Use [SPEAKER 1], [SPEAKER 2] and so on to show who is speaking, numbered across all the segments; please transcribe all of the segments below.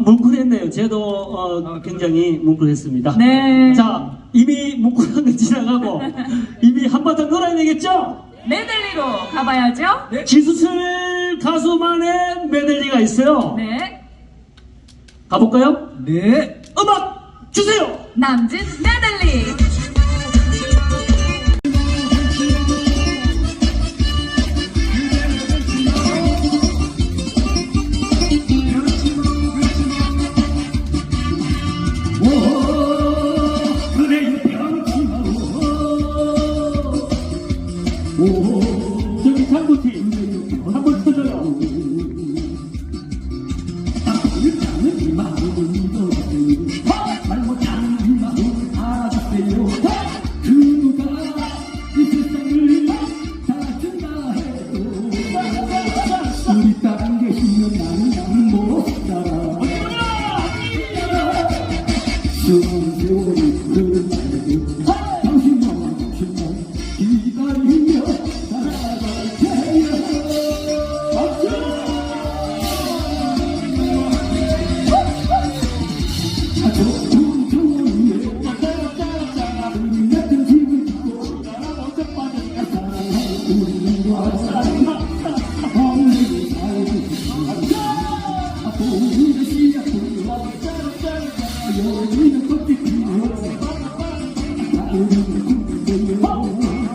[SPEAKER 1] 뭉클했네요. 저도 굉장히 뭉클했습니다.
[SPEAKER 2] 네.
[SPEAKER 1] 자, 이미 뭉클한 건 지나가고 이미 한바탕 놀아야 되겠죠?
[SPEAKER 2] 메들리로 가봐야죠.
[SPEAKER 1] 네. 지수철 가수만의 메들리가 있어요.
[SPEAKER 2] 네.
[SPEAKER 1] 가볼까요?
[SPEAKER 3] 네.
[SPEAKER 1] 음악 주세요.
[SPEAKER 2] 남진 메들리.
[SPEAKER 1] 저기 장구팀 한번 터져요.
[SPEAKER 3] 우리 딸 계시면 나는 못 살아. 수많은 세월이 흐르는데도 당신만 기다리며 살아갈 테야. 좋은 좋은 예 우리 같은 집을 짓고 먼저 빠졌다 사랑해 우리는 와사랑 없는 살고 싶어. 우리 시야 여기는 꽃이 피고 우리는 꿈꾸며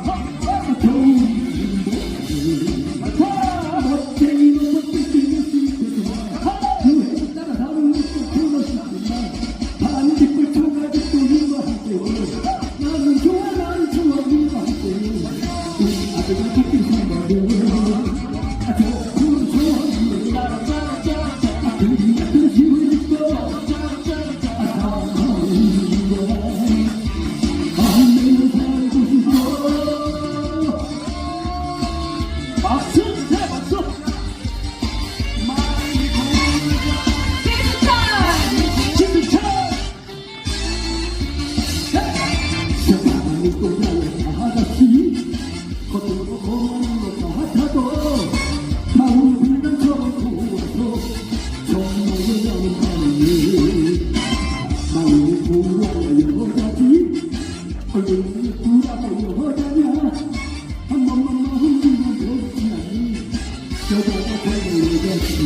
[SPEAKER 3] 멋쟁이는 꽃이 피는 시대지만 그에 따라 다른 것도 불러시지만 반딧불 초가집도 누가 함께 나는 좋아 누가 함께 우리 아들과 같은 생각에 좋은 좋아 우리 같은 집을 짓고
[SPEAKER 1] 박수! 네, 박수! 지수철!
[SPEAKER 3] 세상이 꽃나는 아가씨 겉으로 고마운 것 같아도 마음을 불면처럼 부어서 정말 여는 밤이 마음이 부어야 여자지 얼굴이 부어도 여자냐 한 번만 마음 주면 좋지 않니 여자가 되는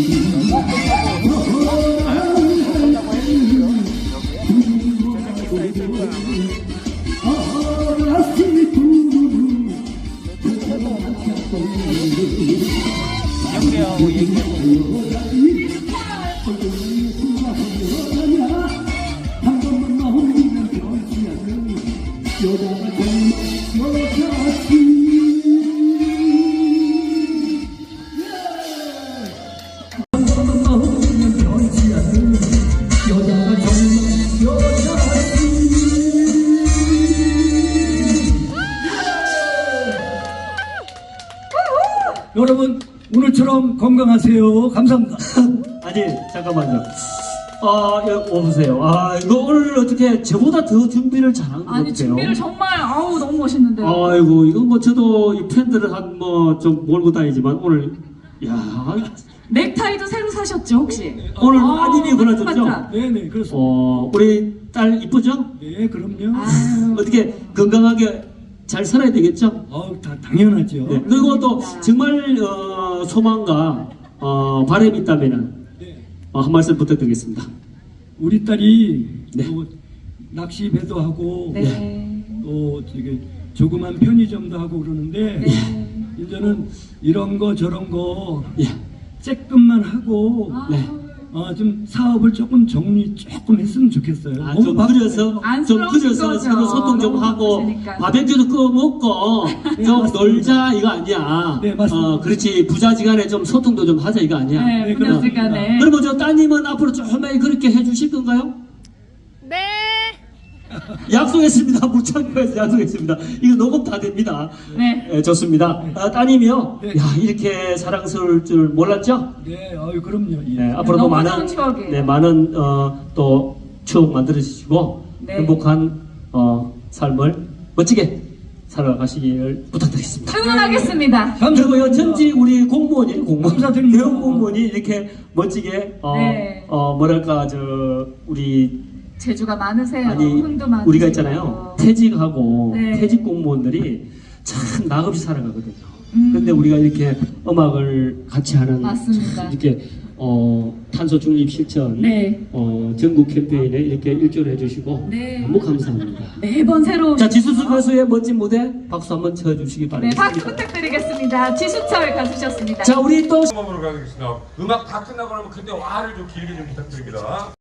[SPEAKER 3] 여러분 오늘처럼 건강하세요. 감사합니다.
[SPEAKER 1] 아니, 잠깐만요. 오세요. 이거 오늘 어떻게 저보다 더 준비를 잘한 것 같아요.
[SPEAKER 2] 아니 준비를 정말 너무 멋있는데요.
[SPEAKER 1] 아이고, 이거 뭐 저도 이 팬들을 한 뭐 좀 몰고 다니지만 오늘, 야
[SPEAKER 2] 넥타이도 새로 사셨죠 혹시?
[SPEAKER 1] 오늘 따님이 골라줬죠?
[SPEAKER 2] 맞다.
[SPEAKER 3] 네네 그렇습니다.
[SPEAKER 1] 우리 딸 이쁘죠?
[SPEAKER 3] 네 그럼요.
[SPEAKER 2] 아유.
[SPEAKER 1] 어떻게 건강하게 잘 살아야 되겠죠?
[SPEAKER 3] 다 당연하죠.
[SPEAKER 1] 네. 그리고 또 정말 소망과 바람이 있다면은
[SPEAKER 3] 네.
[SPEAKER 1] 한 말씀 부탁드리겠습니다.
[SPEAKER 3] 우리 딸이
[SPEAKER 1] 네.
[SPEAKER 3] 또 낚시 배도 하고
[SPEAKER 2] 네.
[SPEAKER 3] 또 저기 조그만 편의점도 하고 그러는데
[SPEAKER 2] 네.
[SPEAKER 3] 이제는 이런 거 저런 거
[SPEAKER 1] 예.
[SPEAKER 3] 쬐끔만 하고
[SPEAKER 1] 네.
[SPEAKER 3] 좀 사업을 조금 정리 조금 했으면 좋겠어요.
[SPEAKER 1] 좀 그려서
[SPEAKER 2] 안쓰러운 거죠.
[SPEAKER 1] 서로 소통 좀
[SPEAKER 2] 너무
[SPEAKER 1] 하고
[SPEAKER 2] 바쁘시니까.
[SPEAKER 1] 바베큐도 구워 먹고
[SPEAKER 3] 네,
[SPEAKER 1] 좀
[SPEAKER 3] 맞습니다.
[SPEAKER 1] 놀자 이거 아니야.
[SPEAKER 3] 네, 맞습니다.
[SPEAKER 1] 그렇지, 부자지간에 좀 소통도 좀 하자 이거 아니야.
[SPEAKER 2] 네,
[SPEAKER 3] 네,
[SPEAKER 2] 부녀지간에.
[SPEAKER 1] 그러면 저 따님은 앞으로 조금만 그렇게 해주실 건가요?
[SPEAKER 4] 네.
[SPEAKER 1] 약속했습니다. 무창고에서 약속했습니다. 이거 녹음 다 됩니다.
[SPEAKER 2] 네.
[SPEAKER 1] 네, 좋습니다. 따님이요.
[SPEAKER 3] 네.
[SPEAKER 1] 야, 이렇게 사랑스러울 줄 몰랐죠?
[SPEAKER 3] 네, 그럼요. 예.
[SPEAKER 1] 네, 앞으로도
[SPEAKER 2] 너무
[SPEAKER 1] 많은
[SPEAKER 2] 좋은 추억이에요.
[SPEAKER 1] 네, 많은 또 추억 만들어 주시고
[SPEAKER 2] 네.
[SPEAKER 1] 행복한 삶을 멋지게 살아가시길 부탁드리겠습니다.
[SPEAKER 2] 응원하겠습니다.
[SPEAKER 1] 그리고요, 전직 우리 공무원이,
[SPEAKER 3] 감사드립니다.
[SPEAKER 1] 대형 공무원이 이렇게 멋지게,
[SPEAKER 2] 네.
[SPEAKER 1] 뭐랄까, 우리,
[SPEAKER 2] 재주가 많으세요.
[SPEAKER 1] 아니,
[SPEAKER 2] 흥도 많으세요.
[SPEAKER 1] 우리가 있잖아요. 퇴직하고,
[SPEAKER 2] 네.
[SPEAKER 1] 퇴직 공무원들이 참 낙없이 살아가거든요.
[SPEAKER 2] 음.
[SPEAKER 1] 근데 우리가 이렇게 음악을 같이 하는,
[SPEAKER 2] 맞습니다.
[SPEAKER 1] 이렇게, 탄소 중립 실천,
[SPEAKER 2] 네.
[SPEAKER 1] 전국 캠페인에 이렇게 일조를 해주시고,
[SPEAKER 2] 네.
[SPEAKER 1] 너무 감사합니다.
[SPEAKER 2] 매번 새로운.
[SPEAKER 1] 자, 지수수 가수의 멋진 무대 박수 한번 쳐주시기
[SPEAKER 2] 네,
[SPEAKER 1] 바랍니다.
[SPEAKER 2] 박수 부탁드리겠습니다. 지수철 가수셨습니다.
[SPEAKER 1] 자, 우리 또
[SPEAKER 4] 음악으로 가겠습니다. 음악 다 끝나고 나면 그때 와를 좀 길게 좀 부탁드립니다.